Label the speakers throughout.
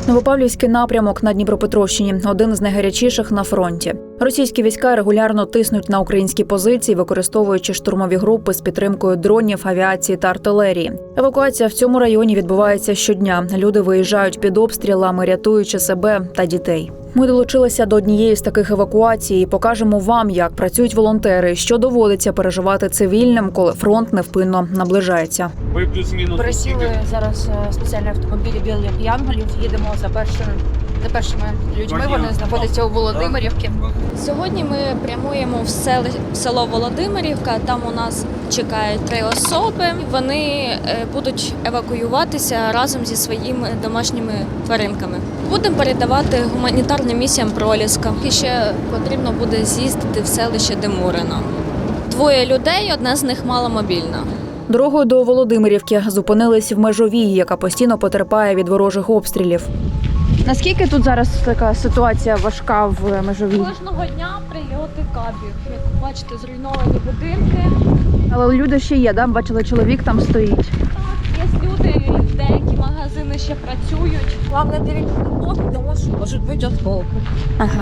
Speaker 1: Новопавлівський напрямок на Дніпропетровщині – один з найгарячіших на фронті. Російські війська регулярно тиснуть на українські позиції, використовуючи штурмові групи з підтримкою дронів, авіації та артилерії. Евакуація в цьому районі відбувається щодня. Люди виїжджають під обстрілами, рятуючи себе та дітей. Ми долучилися до однієї з таких евакуацій і покажемо вам, як працюють волонтери, що доводиться переживати цивільним, коли фронт невпинно наближається.
Speaker 2: Ви плюс-мінус
Speaker 3: Пересіли зараз спеціальні автомобілі білих янголів. Їдемо за першими людьми. Вони знаходяться у Володимирівці.
Speaker 4: Сьогодні ми прямуємо в село Володимирівка. Там у нас чекають 3 особи. Вони будуть евакуюватися разом зі своїми домашніми тваринками. Будемо передавати гуманітарним місіям Проліска. І ще потрібно буде з'їздити в селище Демурино. 2 людей, одна з них маломобільна.
Speaker 1: Дорогою до Володимирівки зупинились в Межовій, яка постійно потерпає від ворожих обстрілів.
Speaker 3: Наскільки тут зараз така ситуація важка в Межовій?
Speaker 4: Кожного дня прильоти кабів. Як бачите, зруйновані будинки.
Speaker 3: Але люди ще є, да? Бачили, чоловік там стоїть.
Speaker 4: Так, є люди, деякі магазини ще працюють. Головне, дивіться на бок, тому що можуть бути осколки.
Speaker 3: Ага.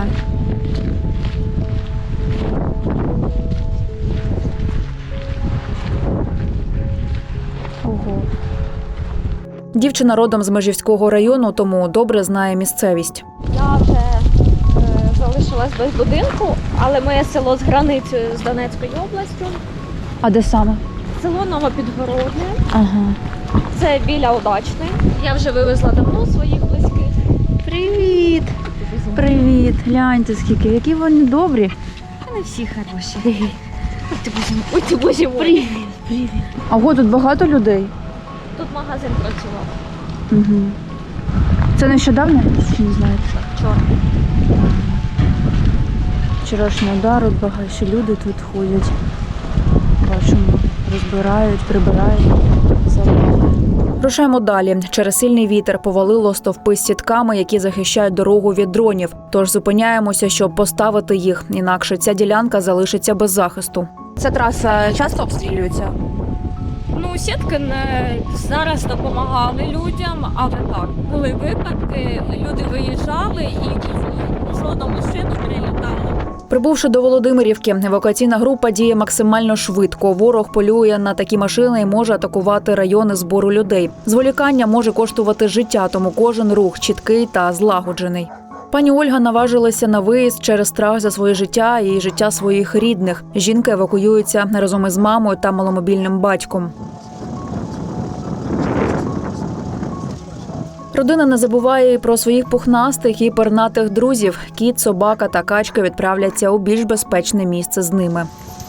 Speaker 3: Ого.
Speaker 1: Дівчина родом з Межівського району, тому добре знає місцевість.
Speaker 4: Я вже залишилась без будинку, але моє село з границею з Донецькою областю.
Speaker 3: А де саме?
Speaker 4: Село Новопідгородне.
Speaker 3: Ага.
Speaker 4: Це біля Удачної. Я вже вивезла давно своїх близьких.
Speaker 3: Привіт! Привіт! Гляньте скільки, які вони добрі.
Speaker 4: Вони всі хороші. Ой, ти боже мой.
Speaker 3: Привіт! Привіт! А ого, тут багато людей?
Speaker 4: Тут магазин працював.
Speaker 3: Угу. Це нещодавно? Чи не знаєте?
Speaker 4: Вчора.
Speaker 3: Вчорашній удар, от багато люди тут ходять. Бачимо, розбирають, прибирають.
Speaker 1: Рушаємо далі. Через сильний вітер повалило стовпи з сітками, які захищають дорогу від дронів. Тож зупиняємося, щоб поставити їх. Інакше ця ділянка залишиться без захисту.
Speaker 3: Ця траса часто обстрілюється?
Speaker 4: Ну, сітки зараз допомагали людям, але так, були випадки, люди виїжджали і жодну машину прилітали.
Speaker 1: Прибувши до Володимирівки, евакуаційна група діє максимально швидко. Ворог полює на такі машини і може атакувати райони збору людей. Зволікання може коштувати життя, тому кожен рух чіткий та злагоджений. Пані Ольга наважилася на виїзд через страх за своє життя і життя своїх рідних. Жінка евакуюється разом із мамою та маломобільним батьком. Родина не забуває і про своїх пухнастих і пернатих друзів. Кіт, собака та качка відправляться у більш безпечне місце з ними.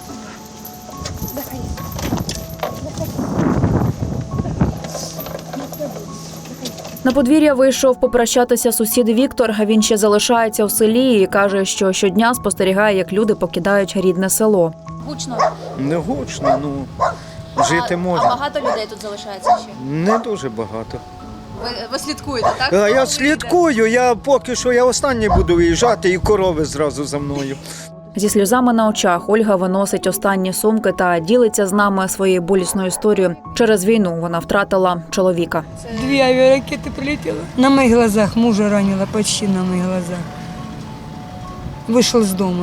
Speaker 1: На подвір'я вийшов попрощатися сусід Віктор. Він ще залишається у селі і каже, що щодня спостерігає, як люди покидають рідне село.
Speaker 5: Гучно.
Speaker 6: Не гучно, жити можна.
Speaker 5: А багато людей тут залишається ще?
Speaker 6: Не дуже багато.
Speaker 5: Ви слідкуєте, так?
Speaker 6: Я слідкую, я останній буду виїжджати і корови зразу за мною.
Speaker 1: Зі сльозами на очах Ольга виносить останні сумки та ділиться з нами своєю болісною історією. Через війну вона втратила чоловіка.
Speaker 7: 2 авиаракеты прилетело. На моих глазах мужа ранило, почти на моих глазах. Вышел с дома.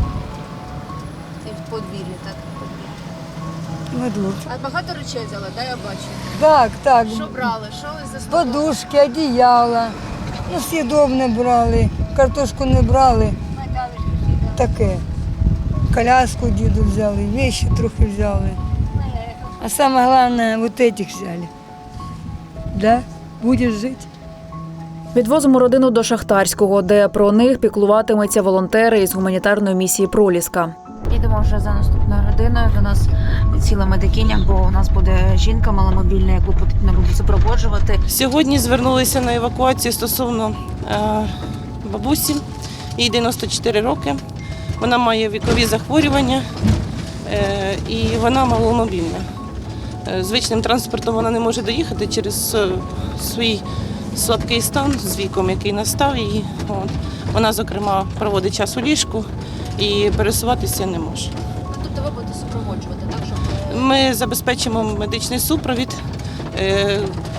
Speaker 5: Це в подвір'ї, так?
Speaker 7: На двор.
Speaker 5: А багато речей взяли, да, я бачу.
Speaker 7: Так.
Speaker 5: Що брали? Що ви за столом?
Speaker 7: Подушки, одеяла. Ну, съедобне брали, картошку не брали. Таке. Коляску діду взяли, вещи трохи взяли. А самое главное, вот этих взяли. Да? Будешь жить?
Speaker 1: Відвозимо родину до Шахтарського, де про них піклуватимуться волонтери із гуманітарної місії «Проліска».
Speaker 3: Їдемо вже за наступною родиною. До нас ціла медикиня, бо у нас буде жінка маломобільна, яку потрібно буде супроводжувати.
Speaker 8: Сьогодні звернулися на евакуацію стосовно бабусі, їй 94 роки. Вона має вікові захворювання і вона маломобільна. Звичним транспортом вона не може доїхати через свій слабкий стан з віком, який настав її. Вона, зокрема, проводить час у ліжку і пересуватися не може.
Speaker 5: Тобто ви будете супроводжувати, так?
Speaker 8: Ми забезпечимо медичний супровід.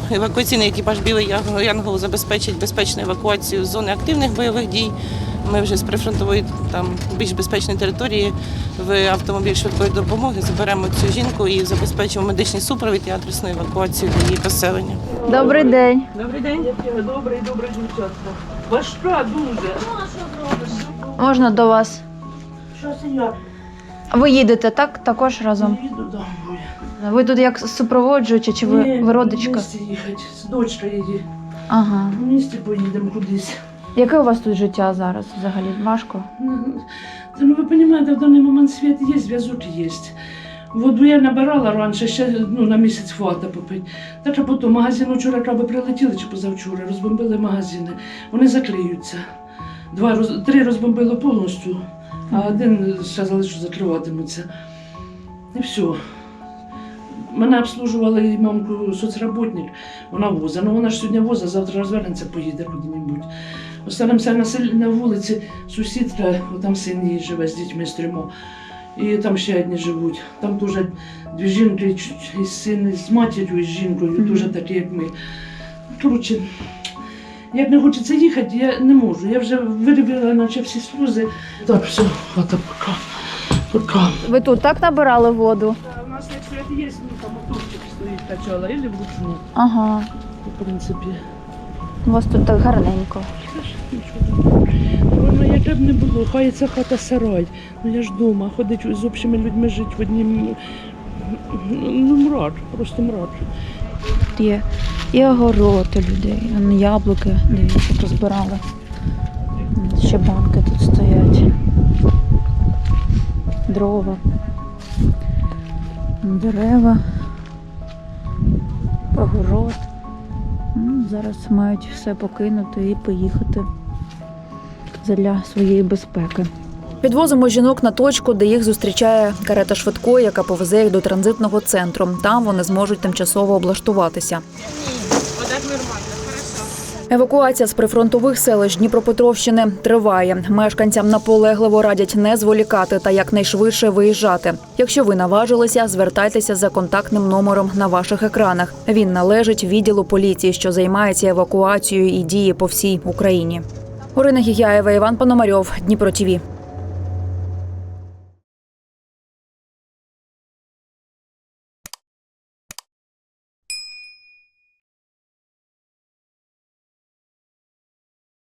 Speaker 8: евакуаційний екіпаж «Білий Янгол» забезпечить безпечну евакуацію з зони активних бойових дій. Ми вже з прифронтової, там, більш безпечної території в автомобіль швидкої допомоги заберемо цю жінку і забезпечимо медичний супровід і адресну евакуацію для її поселення.
Speaker 1: Добрий день.
Speaker 2: Добрий день. Добрий дівчатка. Важка дуже.
Speaker 1: Можна до вас?
Speaker 2: Що я
Speaker 1: Ви їдете, так? Також разом?
Speaker 2: їду домой.
Speaker 1: Ви тут як супроводжуючі, чи ви родичка?
Speaker 2: В місті їхати, з дочкою їде.
Speaker 1: Ага.
Speaker 2: В місті поїдемо кудись.
Speaker 1: Яке у вас тут життя зараз взагалі? Важко?
Speaker 2: Ну, ви розумієте, в даний момент світ є, зв'язок є. Воду я набирала раніше, ще на місяць хвата попити. Так, а потім магазин вчора краби прилетіли чи позавчора, розбомбили магазини. Вони заклеються. 3 розбомбили повністю, а один сказали, що закриватимуться. І все. Мене обслужувала і мамку соцработник, вона воза. Ну вона ж сьогодні воза, завтра розвернеться, поїде куди-небудь. Останемося на вулиці, сусідка, там син її живе з дітьми з 3. І там ще одні живуть. Там теж 2 жінки, і син з матір'ю, і з жінкою, теж такі, як ми. Коротше, як не хочеться їхати, я не можу. Я вже виробила наче всі сльози. Так, все, хата пока.
Speaker 1: Ви тут так набирали воду?
Speaker 2: У нас як свят є, там моторчик стоїть, качала, і вручну,
Speaker 1: Ага.
Speaker 2: в принципі.
Speaker 1: У вас тут так гарненько.
Speaker 2: Воно яке б не було, хай ця хата сарай. Ну я ж вдома, ходить з общими людьми жити в однім. Ну, мрак, просто мрак.
Speaker 1: Є і огород у людей, яблуки, дивіться, позбирали. Ще банки тут стоять. Дрова, дерева, огород. Зараз мають все покинути і поїхати для своєї безпеки. Підвозимо жінок на точку, де їх зустрічає карета швидкої, яка повезе їх до транзитного центру. Там вони зможуть тимчасово облаштуватися. Евакуація з прифронтових селищ Дніпропетровщини триває. Мешканцям наполегливо радять не зволікати та якнайшвидше виїжджати. Якщо ви наважилися, звертайтеся за контактним номером на ваших екранах. Він належить відділу поліції, що займається евакуацією і діє по всій Україні. Орина Гігяєва, Іван Пономарьов, Дніпро ТІВІ.